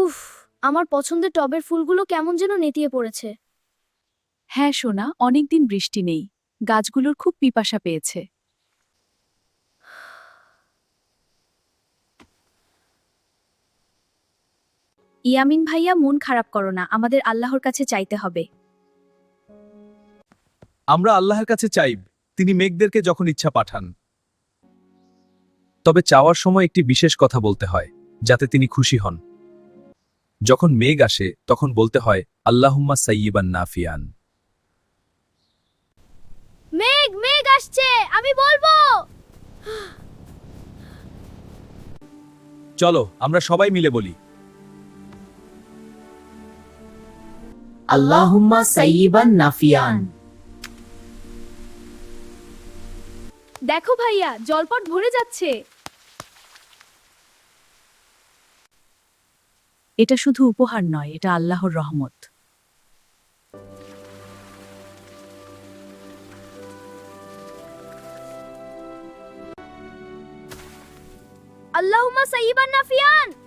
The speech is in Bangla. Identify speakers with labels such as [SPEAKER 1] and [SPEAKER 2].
[SPEAKER 1] উফ, আমার পছন্দের টবের ফুলগুলো কেমন যেন নেতিয়ে পড়েছে।
[SPEAKER 2] হ্যাঁ সোনা, অনেকদিন বৃষ্টি নেই, গাছগুলোর খুব পিপাসা পেয়েছে।
[SPEAKER 1] ইয়ামিন ভাইয়া, মন খারাপ করো না, আমাদের আল্লাহর কাছে চাইতে হবে।
[SPEAKER 3] আমরা আল্লাহর কাছে চাইব, তিনি মেঘদেরকে যখন ইচ্ছা পাঠান। তবে চাওয়ার সময় একটি বিশেষ কথা বলতে হয়, যাতে তিনি খুশি হন। যখন মেঘ আসে তখন বলতে হয় আল্লাহুম্মা সাইয়িবান নাফিয়ান।
[SPEAKER 1] মেঘ মেঘ আসছে, আমি বলবো।
[SPEAKER 3] চলো আমরা সবাই মিলে বলি,
[SPEAKER 4] আল্লাহুম্মা সাইয়িবান নাফিয়ান।
[SPEAKER 1] দেখো ভাইয়া, জলপট ভরে যাচ্ছে।
[SPEAKER 2] এটা শুধু উপহার নয়, এটা আল্লাহর রহমত।
[SPEAKER 1] আল্লাহুম্মা সাইয়িবান নাফিয়ান।